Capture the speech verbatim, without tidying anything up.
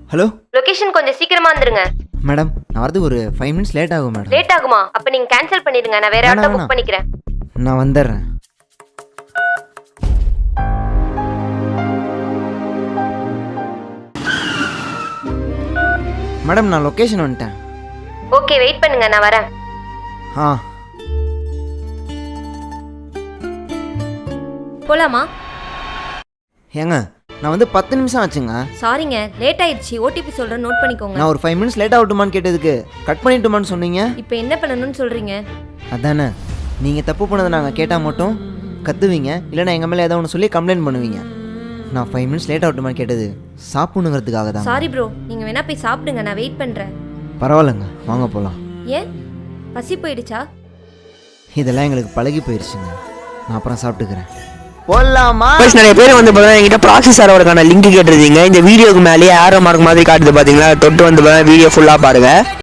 Hello, location கொஞ்சம் சீக்கிரமா வந்துருங்க. மேடம் நான் வரதுக்கு ஒரு ஃபைவ் மினிட்ஸ் லேட் ஆகும் மேடம். லேட் ஆகுமா? அப்ப நீங்க கேன்சல் பண்ணிடுங்க, நான் வேற வேணாம், ஆட்டோ வேணாம். புக் பண்ணிக்கிறேன். நான் வந்துடுறேன். மேடம் நான் லொக்கேஷன் வந்துட்டேன். ஓகே, வெயிட் பண்ணுங்க, நான் வரேன். ஆ போலாமா? ஏங்க நான் வந்து பத்து நிமிஷம் ஆச்சுங்க. சாரிங்க, லேட் ஆயிடுச்சு. ஓடிபி சொல்றேன், நோட் பண்ணிக்கோங்க. நான் ஒரு ஃபைவ் மினிட்ஸ் லேட் ஆகட்டுமான்னு கேட்டதுக்கு கட் பண்ணிட்டுமான்னு சொன்னீங்க. இப்போ என்ன பண்ணணும்னு சொல்றீங்க? அதானே, நீங்கள் தப்பு பண்ணதை நாங்கள் கேட்டால் மட்டும் கத்துவீங்க, இல்லைன்னா எங்கள் மேலே ஏதாவது ஒன்று சொல்லி கம்ப்ளைண்ட் பண்ணுவீங்க. நான் ஃபைவ் மினிட்ஸ் லேட் ஆகட்டுமான்னு கேட்டது சாப்பிடுங்கிறதுக்காக தான். சாரி ப்ரோ, நீங்க வேணா போய் சாப்பிடுங்க, நான் வெயிட் பண்றேன். பரவாயில்லைங்க, வாங்க போகலாம். ஏன், பசி போயிடுச்சா? இதெல்லாம் எங்களுக்கு பழகி போயிடுச்சுங்க. நான் அப்புறம் சாப்பிட்டுக்கிறேன். போடலாமா? நிறைய பேர் வந்து பார்த்தீங்கன்னா என்கிட்ட ப்ராக்ஸி சர்வருக்கான லிங்க் கேட்டிருந்தீங்க. இந்த வீடியோக்கு மேலேயே ஆரோ மார்க் மாதிரி காட்டுது பார்த்தீங்களா, தொட்டு வந்து வீடியோ ஃபுல்லாக பாருங்கள்.